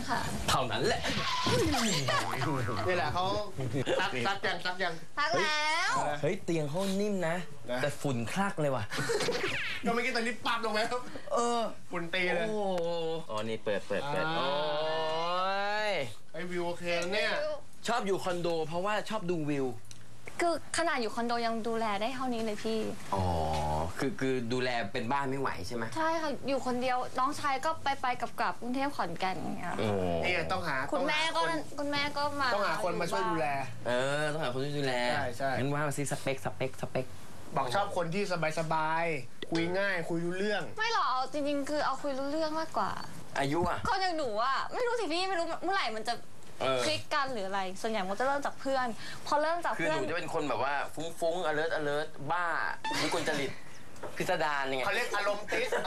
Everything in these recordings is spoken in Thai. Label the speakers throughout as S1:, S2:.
S1: ค่ะ
S2: เท่านั้นแหละ
S3: นี่แหละเขาซักยังซัก
S1: แล้ว
S2: เฮ้ยเตียงเขานิ่มนะแต่ฝุ่นคลักเลยว่ะ
S3: ก็เมื่อกี้ตอนนี้ปั๊บลงไหมครับฝุ่นตีเลย
S2: อ๋อนี่เปิดโอ้ย
S3: ไอวิวโอเคเนี่ย
S2: ชอบอยู่คอนโดเพราะว่าชอบดูวิว
S1: คือขนาดอยู่คอนโดยังดูแลได้เท่านี้เลยพี่
S2: อ๋อคือดูแลเป็นบ้านไม่ไหวใช่ไหม
S1: ใช่ค่ะอยู่คนเดียวน้องชายก็ไปกลับกรุงเทพขอนแก่นอย่างเงี้ย
S3: นี่ต้องหา
S1: คุณแม่ก็มา
S3: ต้องหาคนมาช่วยดูแล
S2: ต้องหาคนช่วยดูแล
S3: ใช่
S2: งั้นว่ามาซิสเปค
S3: บอกชอบคนที่สบายคุยง่ายคุยรู้เรื่อง
S1: ไม่หรอกจริงๆคือเอาคุยรู้เรื่องมากกว่า
S2: อายุอ่ะ
S1: คนอย่างหนูอ่ะไม่รู้สิพี่ไม่รู้เมื่อไหร่มันจะคลิกกันหรืออะไรส่วนใหญ่มันจะเริ่มจากเพื่อนพอเริ่มจากเพื่อน
S2: คือหนูจะเป็นคนแบบว่าฟุ้งalert บ้าวิกลจริตพิสดารยังไง
S3: เขาเรียกอารมณ์ติส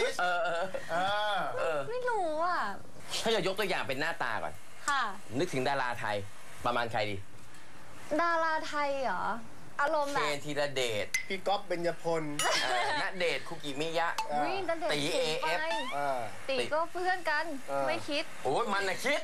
S1: ไม่รู้อ่ะ
S2: ถ้าจะยกตัวอย่างเป็นหน้าตาก่อน
S1: ค่ะ
S2: นึกถึงดาราไทยประมาณใครดี
S1: ดาราไทยเหรออารมณ์แบบ
S2: เคนธีรเดช
S3: พี่ก๊อฟเบญจพล
S2: ณเดชน์คุกิมิยะ
S1: ตี AF ตีก็เพื่อนกันไม่คิด
S2: โอ้ยมันน่ะคิด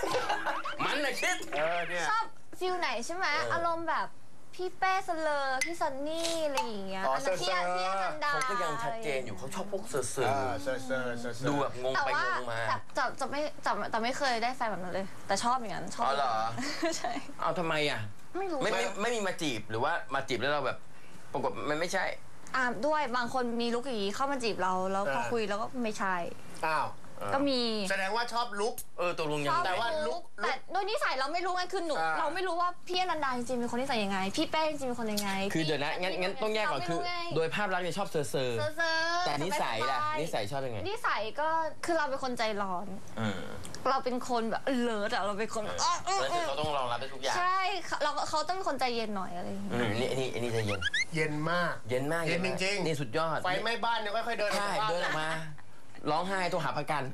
S3: เนี่ย
S1: ชอบฟิลไหนใช่ไหมอารมณ์แบบพี่เป้สเลอร์พี่ซันนี่อะไรอย่างเงี้ยอันนั้นพี่อนันดา
S2: เขาก็ยังชัดเจนอยู่เขาชอบพวกเสือดูแบบงงไปงงมา
S1: แต่ไม่เคยได้แฟนแบบนั้นเลยแต่ชอบอย่างนั้นชอบ
S2: เหรอ
S1: ใช่
S2: เอาทำไมอ่ะ
S1: ไม่รู้
S2: ไม่มีมาจีบหรือว่ามาจีบแล้วเราแบบปรากฏมันไม่ใช่
S1: ด้วยบางคนมีลุคอย่างนี้เข้ามาจีบเราแล้วพอคุยแล้วก็ไม่ใช่
S3: อ้าว
S1: ก็มี
S3: แสดงว่าชอบลุค
S2: ตัวลุงยัง
S1: แต่ว่าลุคแต่โดยนิสัยเราไม่รู้ไงคือหนูเราไม่รู้ว่าพี่อนันดาจริงๆเป็นคนนิสัยยังไงพี่แป้จริงๆเป็นคนยังไง
S2: คือเดี๋ยวนะงั้นต้องแยกก่อนคือโดยภาพลักษณ์เนี่ยชอบเซอร์แต่นิสัยล่ะนิสัยชอบยังไง
S1: นิสัยก็คือเราเป็นคนใจร้อนเราเป็นคนแบบเลิศเราเป็นคน
S2: เขาต้องรองรับได้ทุกอย่าง
S1: ใช่เขาต้องเป็นคนใจเย็นหน่อยอะไรอย่างเงี้ย
S2: นี่จะเย็น
S3: มาก
S2: เย็นจริงๆนี่สุดยอด
S3: ไฟไหม้บ้านเนี่ยค่อยๆเดินอ
S2: อกมาร้องไห้โทรหาประกัน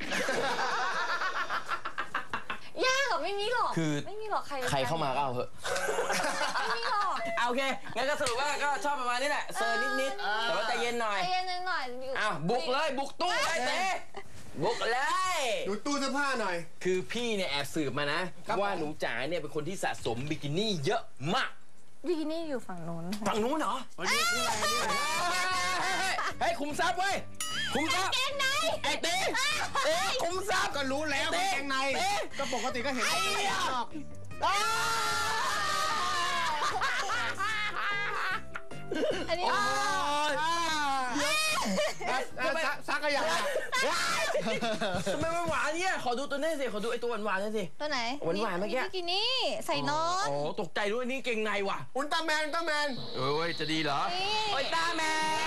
S1: ยากเหรอไม่มีหรอก
S2: คือ
S1: ไม่มีหรอก
S2: ใครเข้ามาก็เอาเถอะ
S1: ไม่มีหรอก
S2: โอเคงั้นก็สรุปว่าก็ชอบประมาณนี้แหละเซอร์นิดแต่ว่าใจเย็นหน่อยบุกเลยบุกตู้เลยเต้บุกเลย
S3: ดูตู้เสื้อผ้าหน่อย
S2: คือพี่เนี่ยแอบสืบมานะว่าหนูจ๋าเนี่ยเป็นคนที่สะสมบิกินี่เยอะมาก
S1: บิกินี่อยู่ฝั่งนู้น
S2: เหรอเฮ้ยคุมทรัพย์เว้ยคุมทรัพย์
S1: เกงใน
S2: ไอ้เต้คุมทรัพย์
S3: ก็รู้แล้วเกงในก็ปกติก็เห็นไอ้ชอบ
S1: อันนี้
S3: ซักก็อย่าง
S2: ทำไมมันหวานเนี่ยขอดูตัวนี้สิขอดูไอ้ตัวหวานนี่สิ
S1: ตัวไหน
S2: หวานเมื่อกี้
S1: บิกินี่ใส่นอน
S2: โอ้ตกใจด้วยนี่เกงในว่ะ
S3: อุลตร้าแมน
S2: เอ้ยจะดีเหรออุลตร้าแมน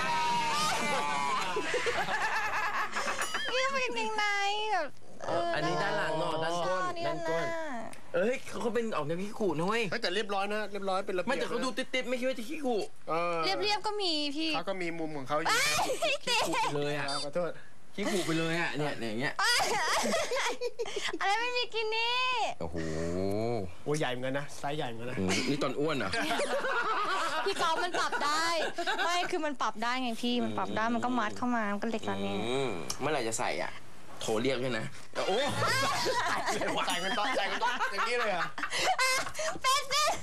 S1: นี่เป็นเกงในแบบ
S2: อันนี้ด้านหลังเนาะด้านก้นเขาเป็นออกแนวขี้ขู่นะเว้ย
S3: แต่เรียบร้อยนะเรียบร้อยเป็นระเบียบ
S2: ไม่แต่เขาดูติดไม่คิดว่าจะขี้ขู่
S1: เรียบก็มีพี่
S3: เขาก็มีมุมของเขาอยู่
S2: ขี้ขู่เลยอ่ะ
S3: ขอโทษ
S2: ขี้ขู่ไปเลยอ่ะเนี่ยอย่างเงี้ย
S1: อะไรไม่มีกินนี่
S2: โอ้โห
S3: ใหญ่เหมือนกันนะไซส์ใหญ่เหมือนกันนะ
S2: นี่ตอนอ้วนเหรอ
S1: พี่กอล์ฟมันปรับได้ไม่คือมันปรับได้ไงพี่มันปรับได้มันก็มัดเข้ามามันก็เล็กแล้วเนี่ย
S2: เมื่อไหร่จะใส่อ่ะโทรเรียกด้วยนะโอ้
S3: ใส่กันต้องอย่างนี้เลยอ่ะ
S1: เป็น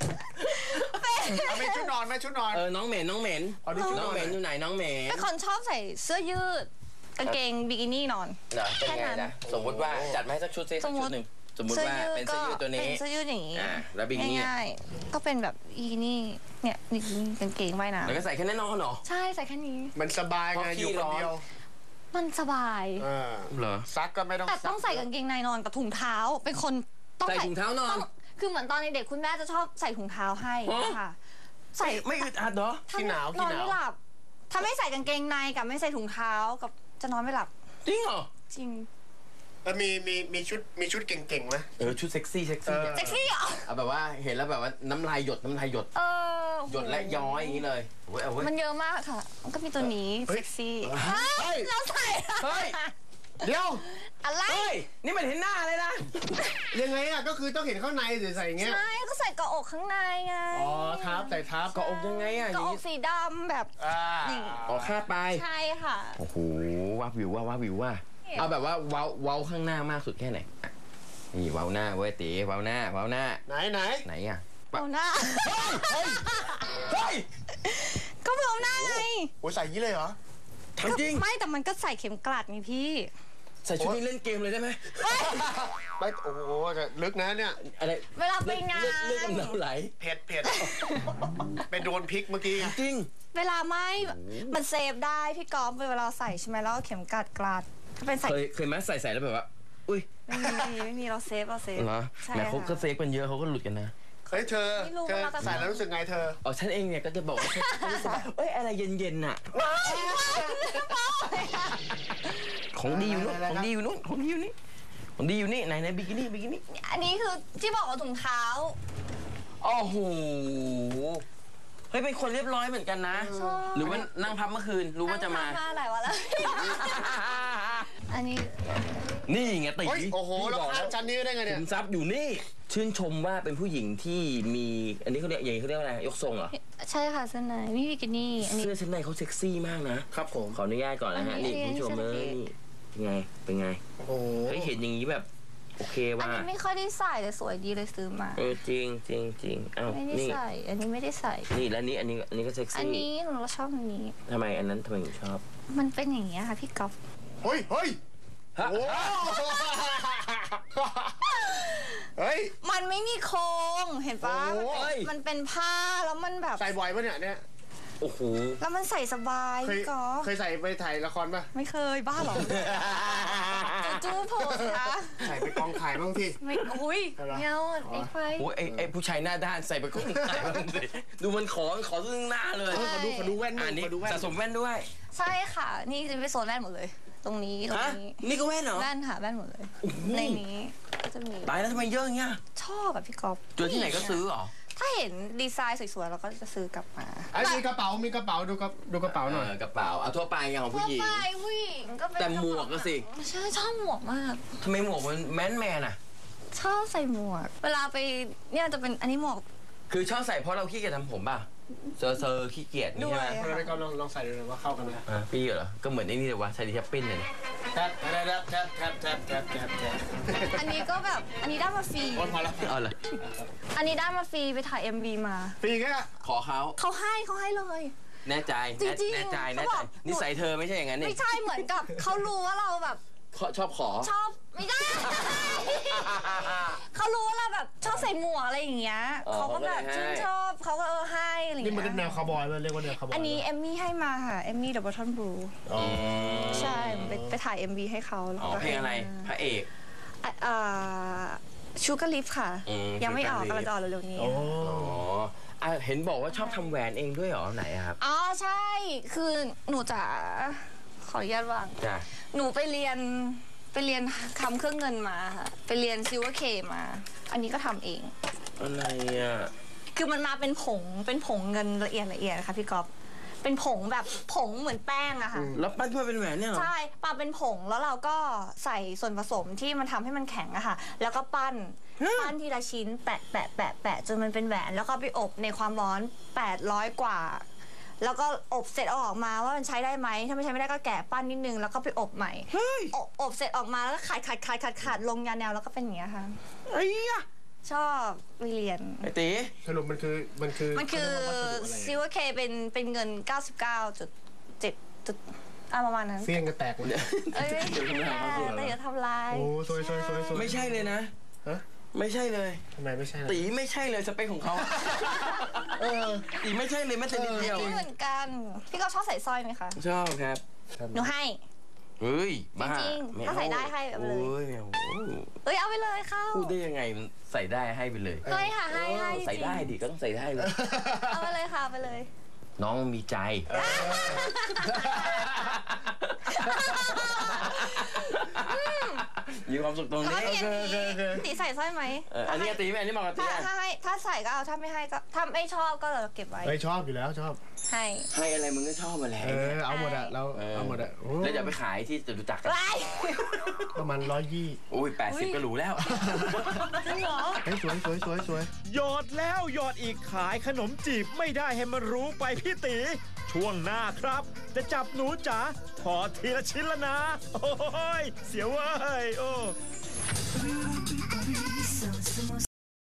S3: ชุดนอนไหมชุดนอน
S2: น้องเหม็นอยู่ไหนน้องเหม็น
S1: เป็นคนชอบใส่เสื้อยืดกางเกงบิกินี่นอน
S2: เป็นไงนะสมมติว่าจัดมาให้สักชุดซิสักชุดหนึ่งสมมติว่าเป็นเสื้อยืดตัวนี้
S1: เป็นเสื้อยืดอย่างนี้
S2: แล้วบิกินี่
S1: ง่ายๆก็เป็นแบบบิกินี่เนี่ยบิกินี่กางเกงว่ายน้ำ
S2: แล้วก็ใส่แค่นั้นนอนเหรอ
S1: ใช่ใส่แค่นี้
S3: มันสบายไงอยู่คนเดียว
S1: มันสบาย
S2: เหรอ
S3: ซักก็ไม่ต้อง
S1: แต่ต้องใส่กางเกงในนอนกับถุงเท้าเป็นคน
S2: ต้องใส่ถุงเท้านอน
S1: คือเหมือนตอนเด็กคุณแม่จะชอบใส่ถุงเท้าให้ค่ะ
S2: ใส่ไม่อึดอัดเหรอ
S3: ขี้หนาวน
S1: อนไม่หลับถ้าไม่ใส่กางเกงในกับไม่ใส่ถุงเท้ากับจะนอนไม่หลับ
S2: จริงเหรอ
S1: จริง
S3: มีชุดเก่งๆไหม
S2: ชุดเซ็กซี่
S1: เหรอ
S2: เอาแบบว่าเห็นแล้วแบบว่าน้ำลายหยดหยดและย้อยอย่างนี้เลย
S1: มันเยอะมากค่ะมันก็มีตัวนี้เซ็กซี่เราใส่
S3: เดี๋ยว
S1: อะไร
S2: นี่มันเห็นหน้าเลยนะ
S3: ยังไงอ่ะก็คือต้องเห็นข้างในหรือใส่เงี้ย
S1: ใช่ก็ใส่เกาะอกข้างในไง
S3: ทับใส่ทับ
S2: เกาะอกยังไงอ่ะ
S1: เกาะอกสีดำแบบ
S2: คาดไป
S1: ใช่ค่ะ
S2: โอ้โหว้าวิวว่าเอาแบบว่าเว้าข้างหน้ามากสุดแค่ไหนนี่เว้าหน้าเว้ยตีเว้าหน้า
S3: ไหน
S2: ไหนอ่ะ
S1: เอาหน้า
S3: เฮ้ย
S1: ก็เอาหน้าไง
S3: โอ้ยใส่ยี่เลยเหรอ
S2: ทำจริง
S1: ไม่แต่มันก็ใส่เข็มกลัดไงพี่
S2: ใส่ชุดนี้เล่นเกมเลยได้ไหม
S3: ไม่โอ้โหจะลึกนะเนี่ย
S2: อะไร
S1: เวลาไปงาน
S2: เลือดกำเดาไหล
S3: เผ็ดเป็นโดนพริกเมื่อกี้ไง
S2: จริง
S1: เวลาไม่มันเซฟได้พี่กอล์ฟเวลาใส่ใช่ไหมแล้วเอาเข็มกลัดถ้าเป็นใส่
S2: เคยไหมใส่แล้วแบบว่าอุ้ย
S1: ไม่มีเราเซฟ
S2: เหรอ
S1: ใช่
S2: แหมเขาก็
S1: ค่ะ
S2: เซฟกันเยอะเขาก็หลุดกันนะ
S3: เฮ้ยเธอใส่แล้วรู้สึกไงเธอ
S2: อ๋อฉันเองเนี่ยก็จะบอกว่าฉันรู้สึกว่าเอ้ยอะไรเย็นๆน่ะของดีอยู่นู้นของดีอยู่นี่ไหนบิกินี่
S1: อันนี้คือที่บอกว่าถุงเท้า
S2: โอ้โหเฮ้ยเป็นคนเรียบร้อยเหมือนกันนะหรือว่านั่งพับเมื่อคืนรู้ว่าจะมา
S1: หลายวันแล้วอันนี้
S2: นี่ไงตี
S3: โอ้โหแล้วข้ามชั้นนี้ได้ไงเนี่ย
S2: ขุมทรัพย์อยู่นี่ชื่นชมว่าเป็นผู้หญิงที่มีอันนี้เขาเรียกอย่างนี้เขาเรียกว่าอะไรยกทรงเหรอ
S1: ใช่ค่ะเสื้อในนี่บิกินี่อันนี้
S2: เสื้อชั้นในเขาเซ็กซี่มากนะครับผมขออนุญาตก่อนนะฮะนี่คุณผู้ชมนี่เป็นไง
S3: โอ้โห
S2: เฮ้ยเห็นอย่างนี้แบบโอเค
S1: อัน
S2: ว่า
S1: นี้ไม่ค่อยได้ใส่แต่สวยดีเลยซื้อมา
S2: จริงอ้าว
S1: ไม่ได้
S2: นี่
S1: ใส่อันนี้ไม่ได้ใส่
S2: นี่แล้วนี่อันนี้ก็เซ็ก
S1: อัน
S2: ซี่
S1: นี้หนูชอบอันนี้
S2: ทำไมอันนั้นทำไมถึงชอบ
S1: มันเป็นอย่างเงี้ยค่ะพี่ก๊อฟ
S3: เฮ้ย
S2: ฮะ
S3: โอ้เฮ้ย
S1: มันไม่มีโครงเห็นปะ
S3: โอ้ย
S1: มันเป็นผ้าแล้วมันแบบ
S3: ใส่บ่อยปะเนี่ย
S2: โอ้โห
S1: แล้วมันใส่สบาย
S3: เคย
S1: พี่ก๊อฟ
S3: เคยใส่ไปถ่ายละครปะ
S1: ไม่เคยบ้าหรอจูโพสนะ
S3: ใส่ไปกองถ่ายบ้างที่
S1: ไม่อุ้ย
S3: อะไร
S1: เงาไอ้ไฟ
S2: โอ้ยไอ้ผู้ชายหน้าด้านใส่ไปก็ไม่ได้บ้างสิดูมันขอซึ่งหน้าเลย
S3: ขอดูแว่น
S2: อันนี้
S3: ขอดูแว่น
S2: สะสมแว่นด้วย
S1: ใช่ค่ะนี่จะเป็นโซนแว่นหมดเลย ตรงนี้ตรง
S2: ฮะ
S1: นี้
S2: นี่ก็แว่นเหรอ
S1: แว่นค่ะแว่นหมดเลย ในนี้ก็จะมี
S2: ตายแล้วทำไมเยอะอย่างเงี้ย
S1: ชอบแบบพี่ก๊อฟ
S2: เจอที่ไหนก็ซื้อเหรอ
S1: ถ้าเห็นดีไซน์สวยๆเราก็จะซื้อกลับมา
S3: มีกระเป๋าดูกระเป๋าหน่อย
S2: กระเป๋าเอาทั่วไปอย่างของผู้หญิง
S1: ทั่วไปผู้หญิงก็เป็น
S2: แต่หมวกก็สิ
S1: ใช่ชอบหมวกมาก
S2: ทำไมหมวกมันแมนอ่ะ
S1: ชอบใส่หมวก เวลาไปเนี่ยจะเป็นอันนี้หมวก
S2: คือชอบใส่เพราะเราขี้เกียจทำผมป่ะเซอร์ขี้เกียจนี่ใช่ไหม
S1: ด้วย
S3: เออก็ลองใส่ดูว่าเข้ากันไหม
S2: พี่เหรอก็เหมือนไอ้นี่เลยวะชาลีแทปปิ้นเลย
S3: แทบ
S1: อันนี้ก็แบบอันนี้ได้มาฟรี
S3: พอแล้ว
S2: เอาเลย
S1: อันนี้ได้มาฟรีไปถ่าย MV มา
S3: ปีแค่
S2: ขอเขา
S1: เขาให้เลย
S2: แน่ใจ
S1: จริงๆ
S2: แน่ใจ
S1: เขาบอก
S2: นิสัยเธอไม่ใช่อย่างนั้นนี่
S1: ไม่ใช่เหมือนกับเขารู้ว่าเราแบบ
S2: ชอบขอ
S1: ชอบไม่ได้ เขารู้ว่าเราแบบชอบใส่หมวกอะไรอย่างเงี้ย
S2: อ๋อ
S1: เขาก็แบบ
S2: เขาก็เลยให้
S1: ชื่นชอบเขาก็ให้อะไรอย่าง
S3: นี่มัน
S1: เงี้ย
S3: แนวคาวบอยเลยเรียกว่าแนวคาวบอย
S1: อันนี้เอมมี่ให้มาค่ะเอมมี่เดอะบอททอนบลู
S3: อ๋อ
S1: ใช่ไปถ่าย MV ให้เขาแล้ว
S2: อ๋อ
S1: ก็
S2: เพลงอะไรพระเอก
S1: ชูการ์ลิฟค่ะ
S2: อืม
S1: ยังไม่ออก
S2: Sugar Leaf
S1: กำลังจะออกเร็วๆนี้
S3: โอ้
S2: อ๋อเห็นบอกว่าชอบทำแหวนเองด้วยเหรอไหนอะครับ
S1: อ๋อใช่ คือหนูจะขออนุญาตวาง
S2: จ้ะ
S1: หนูไปเรียนทำเครื่องเงินมาค่ะไปเรียนซิลเวอร์เคมาอันนี้ก็ทำเอง
S2: อะไรอะ
S1: คือมันมาเป็นผงเงินละเอียดค่ะพี่ก๊อฟเป็นผงแบบผงเหมือนแป้งอะค่ะ
S2: แล้วปั้นขึ้นมาเป็นแหวนเนี่ยเหรอ
S1: ใช่ปาเป็นผงแล้วเราก็ใส่ส่วนผสมที่มันทำให้มันแข็งอะค่ะ แล้วก็ปั้นทีละชิ้นแปะจนมันเป็นแหวนแล้วก็ไปอบในความร้อน800 กว่า แล้วก็อบเสร็จเอาออกมาว่ามันใช้ได้ไหมถ้าไม่ใช้ไม่ได้ก็แกะปั้นนิดนึงแล้วก็ไปอบใหม่อบเสร็จออกมาแล้วก็ขาดลงยาแนวแล้วก็เป็นอย่างเงี้ยค่ะ
S2: ไอ้ยะ
S1: ชอบไปเรียน
S2: ไอ้ตี
S3: สรุปมันคือ
S1: ซิลเวอร์เคเป็นเงิน 99.7 ประมาณนั้น
S3: เฟี้ยงกันแตกเลย
S1: เอ้ยแต่อย่าทำลาย
S3: โอ้สวย
S2: ไม่ใช่เลยนะ
S3: ฮะ
S2: ไม่ใช่เลย
S3: ทำไมไม่ใช่
S2: ตีไม่ใช่เลยสเปคของเขาตีไม่ใช่เลยแม้แต่นิดเดียว
S1: ไม่เหมือนกัน พี่ก็ชอบใส่สร้อยไหมคะ
S2: ชอบครับ
S1: หนูให้
S2: เฮ้ยบ้า
S1: จริงๆ
S2: ไม่
S1: ถ้าใส่ได้ให้เอาไปเลย
S2: โอ้ยไม่เอา
S1: เอ้ยเอาไปเลยเข้า
S2: พูดได้ยังไงมันใส่ได้ให้ไปเลย
S1: ให้ค่ะให้จริงๆ
S2: ใส่ได้ดิก็ต้องใส่ได้เลย
S1: เอาไปเลยค่ะเอาไปเลย
S2: น้องมีใจ มีความสุขตรง
S1: แล้ว
S2: นี้
S1: ก็ทีนี้ตีใส่สร้อยไหม
S2: อันนี้ตีไหมอันนี้เหมาะกับตี
S1: ถ้าใส่ก็เอาถ้าไม่ให้ก็ถ้าไม่ชอบก็เราเก็บไว้
S3: เฮ้ยชอบอยู่แล้วชอบ
S1: ให้
S2: ให้อะไรมึงก็ชอบมาแล้ว
S3: เอาหมดอะเราเอาหมดอะ
S2: แล้วจะไปขายที่จตุจักรกัน
S1: ไว้
S3: ประมาณ120
S2: อุ้ย80ก็หรูแล้ว
S1: จริงเหรอ
S3: เฮ้ยสวย
S4: หยอดแล้วหยอดอีกขายขนมจีบไม่ได้ให้มันรู้ไปพี่ตี ช่วงหน้าครับ จะจับหนูจ๋าถอดทีละชิ้นละนะ โอ้ยเสียวเว้ยโอ้